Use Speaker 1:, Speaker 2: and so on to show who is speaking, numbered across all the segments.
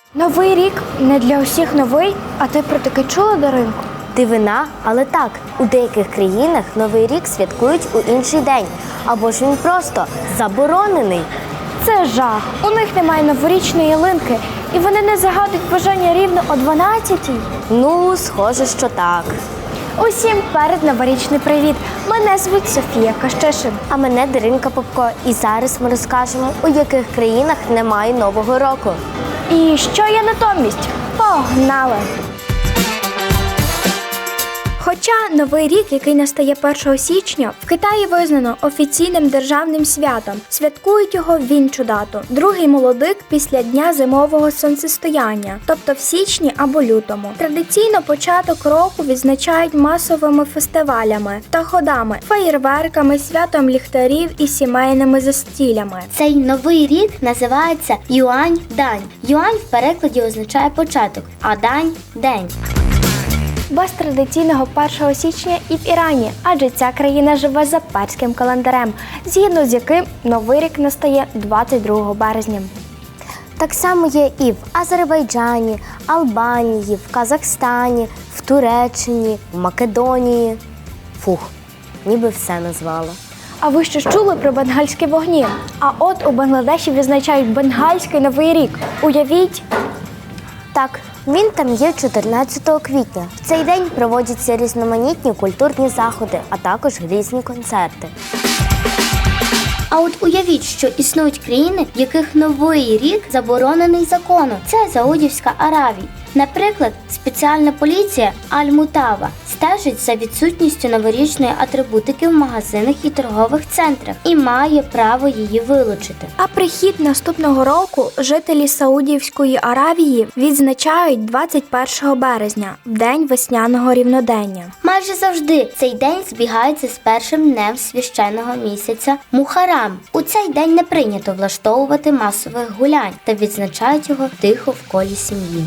Speaker 1: Новий рік не для усіх новий, а ти про таке чула, Даринко?
Speaker 2: Дивина, але так, у деяких країнах Новий рік святкують у інший день, або ж він просто заборонений.
Speaker 1: Це жах. У них немає новорічної ялинки, і вони не загадують бажання рівно о 12-й.
Speaker 2: Ну, схоже, що так.
Speaker 1: Усім передноворічний привіт. Мене звуть Софія Кащишин.
Speaker 2: А мене Даринка Попко. І зараз ми розкажемо, у яких країнах немає Нового року.
Speaker 1: І що є натомість? Погнали! Хоча Новий рік, який настає 1 січня, в Китаї визнано офіційним державним святом. Святкують його в іншу дату – другий молодик після дня зимового сонцестояння, тобто в січні або лютому. Традиційно початок року відзначають масовими фестивалями та ходами, феєрверками, святом ліхтарів і сімейними застіллями.
Speaker 3: Цей новий рік називається Юань-дань. Юань в перекладі означає початок, а дань – день.
Speaker 1: Без традиційного 1 січня і в Ірані, адже ця країна живе за перським календарем, згідно з яким Новий рік настає 22 березня.
Speaker 2: Так само є і в Азербайджані, Албанії, в Казахстані, в Туреччині, в Македонії. Фух, ніби все назвала.
Speaker 1: А ви що чули про бенгальські вогні? А от у Бангладеші відзначають бенгальський Новий рік. Уявіть!
Speaker 2: Так, він там є 14 квітня. В цей день проводяться різноманітні культурні заходи, а також різні концерти.
Speaker 3: А от уявіть, що існують країни, в яких Новий рік заборонений законом. Це Саудівська Аравія. Наприклад, спеціальна поліція Аль-Мутава стежить за відсутністю новорічної атрибутики в магазинах і торгових центрах і має право її вилучити.
Speaker 1: А прихід наступного року жителі Саудівської Аравії відзначають 21 березня, в день весняного рівнодення.
Speaker 3: Майже завжди цей день збігається з першим днем священного місяця Мухарам. У цей день не прийнято влаштовувати масових гулянь та відзначають його тихо в колі сім'ї.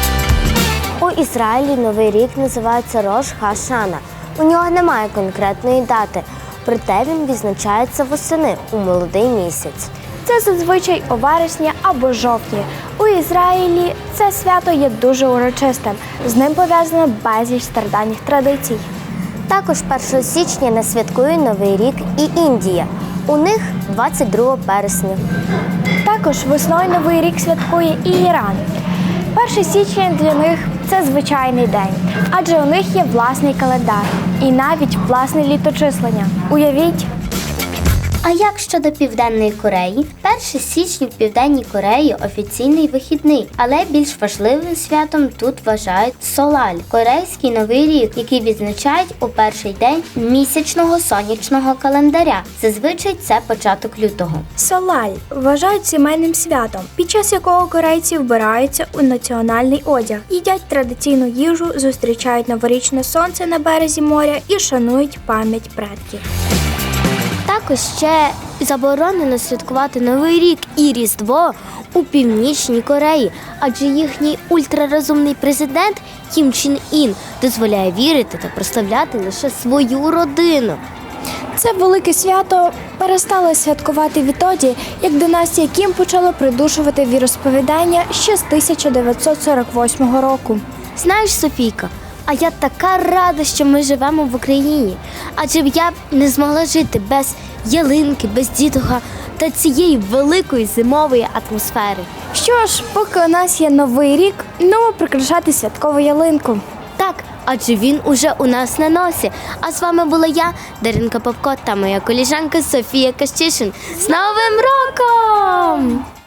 Speaker 2: У Ізраїлі Новий рік називається Рош Ха-Шана. У нього немає конкретної дати, проте він відзначається восени у молодий місяць.
Speaker 1: Це зазвичай у вересні або жовтні. У Ізраїлі це свято є дуже урочистим. З ним пов'язано безліч стародавніх традицій.
Speaker 2: Також 1 січня не святкує Новий рік і Індія. У них 22 вересня.
Speaker 1: Також весною Новий рік святкує і Іран. 1 січня для них – це звичайний день, адже у них є власний календар і навіть власне літочислення. Уявіть!
Speaker 3: А як щодо Південної Кореї? 1 січня в Південній Кореї офіційний вихідний, але більш важливим святом тут вважають Солаль – корейський новий рік, який відзначають у перший день місячного сонячного календаря. Зазвичай це початок лютого.
Speaker 1: Солаль вважають сімейним святом, під час якого корейці вбираються у національний одяг, їдять традиційну їжу, зустрічають новорічне сонце на березі моря і шанують пам'ять предків.
Speaker 2: Також ще заборонено святкувати Новий рік і Різдво у Північній Кореї, адже їхній ультрарозумний президент Кім Чен Ін дозволяє вірити та прославляти лише свою родину.
Speaker 1: Це велике свято перестали святкувати відтоді, як династія Кім почала придушувати віросповідання ще з 1948 року.
Speaker 2: Знаєш, Софійка, а я така рада, що ми живемо в Україні, адже я б не змогла жити без ялинки, без дідуха та цієї великої зимової атмосфери.
Speaker 1: Що ж, поки у нас є Новий рік, ну прикрашати святкову ялинку.
Speaker 2: Так, адже він уже у нас на носі. А з вами була я, Даринка Попко, та моя колежанка Софія Кащишин. З Новим роком!